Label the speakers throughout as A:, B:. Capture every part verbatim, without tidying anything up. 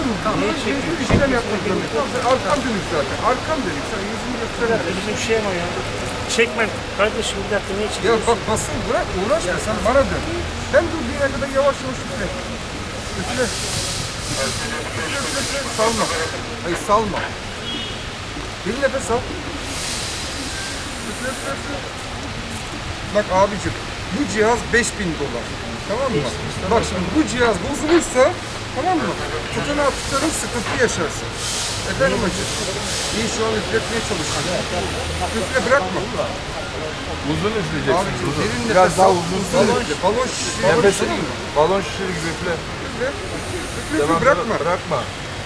A: mı? Tamam.
B: Niye çekiyorsun?
A: İşlem yapmak zorunda. Tamam, sen arkam dönük zaten. Arkam dönük. Sen yüzünü gösterme.
B: Bizim şey ama ya. Çekme kardeşim bir dakika niye
A: Ya
B: çekiyorsun?
A: bak basın bırak uğraşma sen bana dön. Ben durduğun yere kadar yavaş yavaş üfle. Üfle. Üfle, üfle, üfle. Salma. Hayır salma. Bir nefes al. Üfle, üfle, üfle. Bak abicim bu cihaz beş bin dolar. Tamam mı? Bak şimdi bu cihaz bozulursa tamam mı? Tutanağı tutarım sıkıntı yaşarsın. Efendim hacı. İyi şu an üfletmeye çalışıyorum. Üfle bırakma.
C: Uzun üfleyeceksin.
A: Abicim
C: Uzun.
A: derin
C: Biraz
A: nefes
C: daha
A: al.
C: uzun
A: Balon,
C: üfle.
A: balon şişiri.
C: Nefes
A: Balon şişiri.
C: balon şişir gibi üfle.
A: Üfle. Üfle, üfle,
C: Devam,
A: bırakma.
C: Bırakma.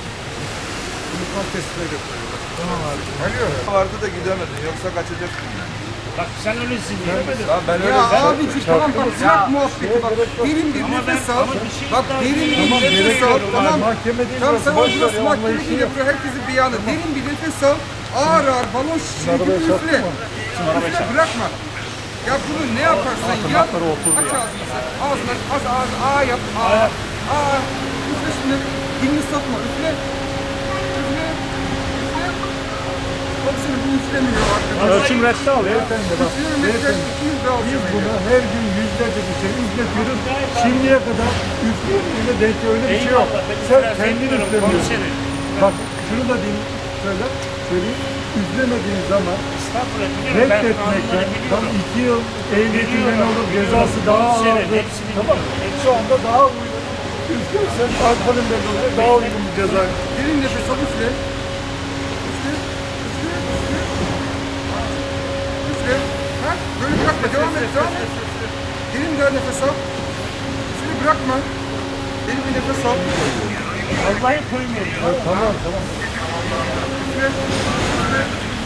A: Bunu kan testine götürüyorlar. Tamam abi. Alo.
C: Vardı da gidemedin yoksa kaçacaktın.
B: Bak sen öylesin diye.
C: Tamam ben öyle
A: Ya abicim tamam bak bırak muhabbeti bak. Derin bir
B: Ama
A: nefes
B: ben-
A: al.
B: ama bir şey
A: Bak
B: daha
A: derin bir
B: söyleyeyim.
A: nefes al. Tamam.
C: Mahkeme değil.
A: Tamam sen
C: boş ver
A: orada
C: ya,
A: mahkeme
C: anlayışı
A: değil
C: yok.
A: yapıyor. Herkesin beyanı. Derin bir nefes al. Ağır ağır balon şişiri gibi üfle. Üfle bırakma. Ya bunu ne yaparsan yap. Aç ağzını sen. Ağzını aç. Az ağız. Aa yap. Aa. Aa. Üfle şimdi. Dilini sokma. Üfle. Üfle. Üfle. Bak seni bu üflemiyor arkadaşlar.
D: Ölçüm reddi al ya.
A: Üflüyorum. Üfle. iki yüz daha
D: Biz
A: alacağım.
D: bunu her gün yüzlerce bir şey üfletiyoruz. Şimdiye kadar üfleyince denk öyle bir şey yok. Sen kendin üflemiyorsun. Bak şunu da diyeyim, söyle, söyleyeyim. Üflemediğin zaman
B: Estağfurullah biliyorum. Ben
D: reddetmekten
B: kanunları
D: tam
B: biliyorum.
D: iki yıl ehliyetinden
B: Biliyorum,
D: olur,
B: biliyorum.
D: cezası daha
B: Hepsini,
D: ağırdır.
B: hepsini
D: Tamam.
B: biliyorum.
D: Şu anda daha uygun. Üflersen alkolün belli oluyor, daha uygun bir ceza.
A: Derin nefes al üfle. Üfle. Üfle. Üfle. Üfle. Ha? Böyle bırakma. Devam et. Devam et. Derin daha nefes al. Üfle bırakma. Derin bir nefes al.
B: Vallahi koymuyorum.
D: Tamam tamam.
A: Üfle. Üfle.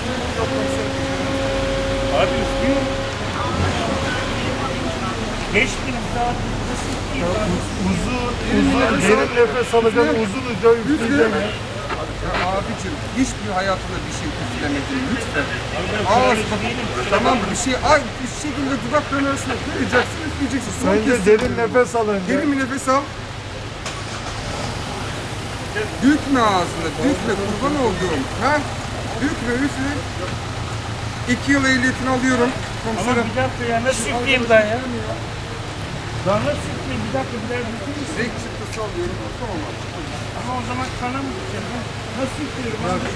B: Abi üflüyorum. Beş bin daha nasıl üfleyeyim abi?
D: Uzun, uzun, derin nefes alacaksın, uzun uca üfleyeceksin.
A: Ya abicim hiçbir hayatında bir şey üflemedin lütfen.
B: Ben
A: Ağız
B: şöyle değilim.
A: tamam bir şey ay bir şekilde dudakların arasına koyacaksın üfleyeceksin. Son
D: Önce
A: kez
D: derin nefes al önce.
A: derin bir nefes al. Dökme ağzına, dökme kurban olduğum. Ha? Dökme, üfle. İki yıl ehliyetini alıyorum.
B: Ama
A: Komiserim.
B: bir dakika ya nasıl üfleyeyim ben ya? Ben nasıl üfleyeyim bir dakika bir dakika üfleyeyim.
A: Renk çıktısı alıyorum. Tamam abi.
B: Ama o zaman kana mı gideceğim? ha? Nasıl üflüyorum abi?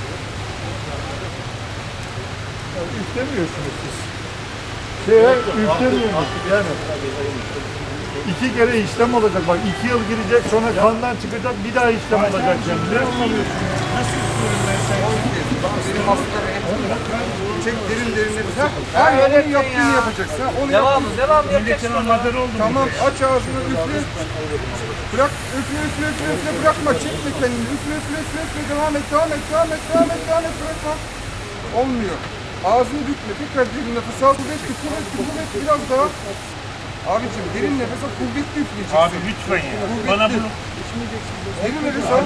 D: Üflemiyorsunuz siz. Şeye üflemiyorsunuz. Yani iki kere işlem olacak. Bak iki yıl girecek sonra kandan çıkacak bir daha işlem olacak. Yani. Ne anlamıyorsun?
B: Nasıl üflüyorum ben sen?
A: Benim hastalara hep çek derin derin nefes. Ha? Hayır, onun yaptığını yapacaksın. Ha? Onu
E: Devamı,
A: yaptığını-
E: devamı
B: Milletin
E: yapacaksın.
B: amadörü oldum.
A: Tamam aç ağzını üfle. Bırak üfle üfle üfle üfle bırakma çekme kendini üfle üfle üfle üfle devam et devam et devam et devam et devam et bırakma. Olmuyor. Ağzını bükme tekrar derin nefes al kuvvetli kuvvetli kuvvetli biraz daha. Abicim derin nefes al kuvvetli üfleyeceksin.
B: Abi lütfen ya. Bana bunu
A: Derin nefes al.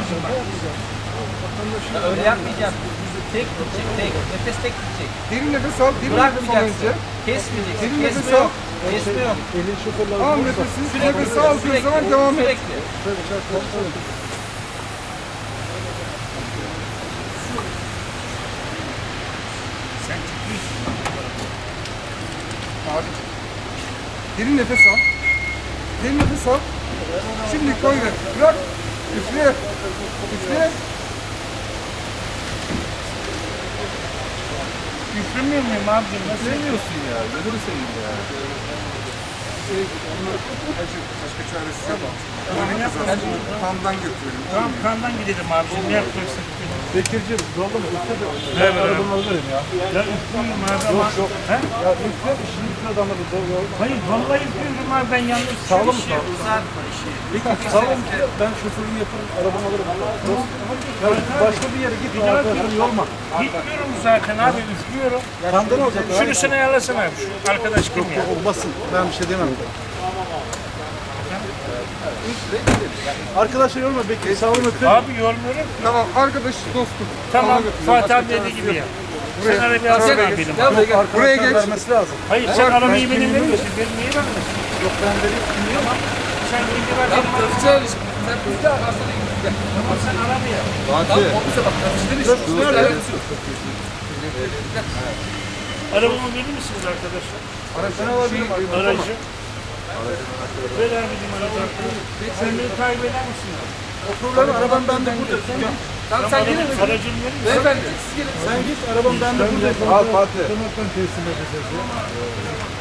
E: Öyle yapmayacağım. Tek gidecek, tek. Nefes tek gidecek.
A: Derin nefes al. Derin nefes al önce.
E: Bırakmayacaksın. Kesmeyeceksin.
A: Derin
E: Kesme
A: nefes al.
E: yok. Kesme yok.
A: Al nefesi. Nefes aldığın zaman devam et.
E: Sürekli.
B: sen çıkıyorsun.
A: Abicim. Derin nefes al. Derin nefes al. Şimdi koy ver. Bırak. Üfle. Üfle.
B: Üflemiyor muyum abicim? Nasıl
C: Sevmiyorsun ya. Gözünü seveyim ya.
A: Şey, bunu acı, başka çaresi yok. Böyle kazansın. Kandan götürelim.
B: Tamam kandan gidelim abicim. Ne yapacaksın?
D: Bekir'cim zorla mı? Üfle de.
B: Evet,
D: Ben arabanı alırım ya.
B: Ya üflüyorum abi ama...
D: Yok.
B: He?
D: Ya üfle, şimdi üfle adamı da zor yok.
B: Hayır vallahi üflüyorum abi ben yalnız
D: Sağlam
B: şey
D: sağ.
E: Uzatma işi.
D: Tamam ben şoförünü yaparım, arabamı alırım. Ya başka bir yere gitme arkadaşım yorma.
B: Gitmiyorum zaten abi üflüyorum.
D: Kandan olacak.
B: Şunu sen ayarlasana abi şu arkadaş kim ya?
D: Olmasın. Ben bir şey demem. Arkadaşlar yorma Bekir. Sağ olun öpün.
B: Abi yormuyorum.
A: Tamam arkadaş dostum.
B: Tamam
A: Kandan götürelim.
B: Fatih
A: Başka
B: abi dediği
A: çaresi
B: gibi
A: yok.
B: ya.
A: Buraya-
B: Sen arabayı alsana
A: Buraya
B: abi
A: geç.
B: benim.
E: Gel buraya gel.
A: Buraya geç.
D: Vermesi lazım.
B: Hayır sen arabayı benim verir misin? Benim niye vermiyorsun?
D: Yok ben vereyim.
B: Tamam. Sen kendi ver
E: Ya
B: benim
E: bu
B: arabamı.
E: öfçe ilişki. Sen bizde arasına
B: Ama sen arabaya.
C: Fatih.
B: Arabamı verir misiniz arkadaşlar?
A: Aracını alabilirim.
B: Aracı. Ver abicim aracı. Sen beni takip eder misin?
A: O problem arabam bende burada.
E: Tamam sen gelin.
B: Aracını verir misin?
E: Beyefendi siz gelin.
A: Sen git arabam bende burada.
C: Al Fatih.
D: Tırnaktan teslim edeceğiz ya.